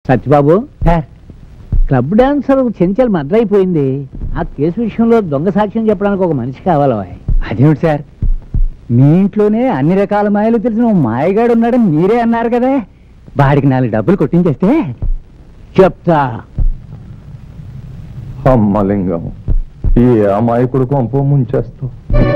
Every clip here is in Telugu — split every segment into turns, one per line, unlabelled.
Satyababu, club dancer Chanchal murder అయిపోయింది. ఆ కేసు విషయంలో దొంగ సాక్ష్యం చెప్పడానికి ఒక మనిషి కావాలి.
అదేమిటి సార్, మీ ఇంట్లోనే అన్ని రకాల మాయలు తెలిసిన ఓ మాయగాడు ఉన్నాడని మీరే అన్నారు కదా. వాడికి 4 డబ్బులు కొట్టించేస్తే
చెప్తా.
అమ్మలింగం, ఈ అమాయకుడు కొంప ముంచేస్తావు.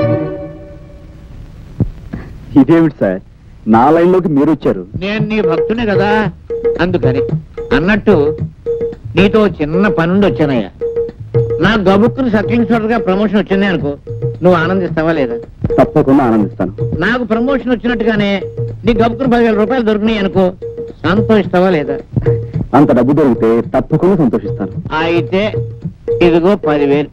ఇదేమిటి సార్, నా లైన్లోకి మీరు వచ్చారు?
నేను నీ భక్తుని కదా, అందుకని. అన్నట్టు నీతో చిన్న పనుండి వచ్చానయ్యా. నా గబుక్కుని సర్కిల్ ఇన్స్పెక్టర్ గా ప్రమోషన్ వచ్చింది అనుకో, నువ్వు ఆనందిస్తావా లేదా?
తప్పకుండా ఆనందిస్తాను.
నాకు ప్రమోషన్ వచ్చినట్టుగానే నీ గబుక్కుని 10,000 రూపాయలు దొరికినాయి అనుకో, సంతోషిస్తావా లేదా?
అంత డబ్బు దొరికితే తప్పకుండా సంతోషిస్తాను.
అయితే ఇదిగో 10,000.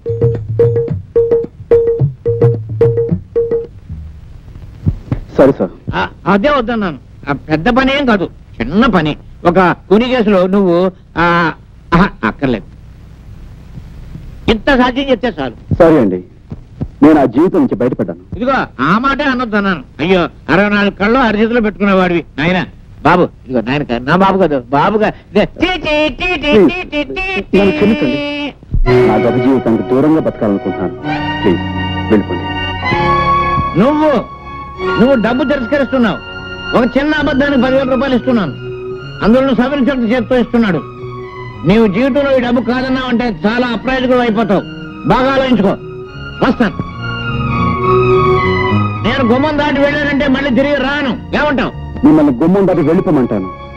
సరే సార్.
అదే వద్దన్నాను. పెద్ద పని ఏం కాదు, చిన్న పని. ఒక కుని కేసులో నువ్వు అక్కర్లేదు, ఇంత సాధ్యం చెప్తే చాలు.
సరే అండి, నేను ఆ జీవితం నుంచి బయటపడ్డాను.
ఇదిగో ఆ మాటే అనొద్దన్నాను. అయ్యో, 64 కళ్ళు అరిచేతిలో పెట్టుకునేవాడివి నాయన. బాబు, ఇదిగో నాయన, నా బాబు కదా, బాబుగా.
నా గత జీవితానికి దూరంగా బతకాలనుకుంటున్నాను. ప్లీజ్ వెళ్ళిపోండి.
నువ్వు డబ్బు తిరస్కరిస్తున్నావు. ఒక చిన్న అబద్ధానికి 10,000 రూపాయలు ఇస్తున్నాను, అందులో సబ్ ఇన్స్పెక్టర్ చేతితో ఇస్తున్నాడు. నీవు జీవితంలో ఈ డబ్బు కాదన్నావు అంటే చాలా అప్రాయకుడు అయిపోతావు. బాగా ఆలోచించుకో. వస్తాను. నేను గుమ్మం దాటి వెళ్ళానంటే మళ్ళీ తిరిగి రాను. ఏమంటావు?
మిమ్మల్ని గుమ్మం దాటి వెళ్ళిపోమంటాను.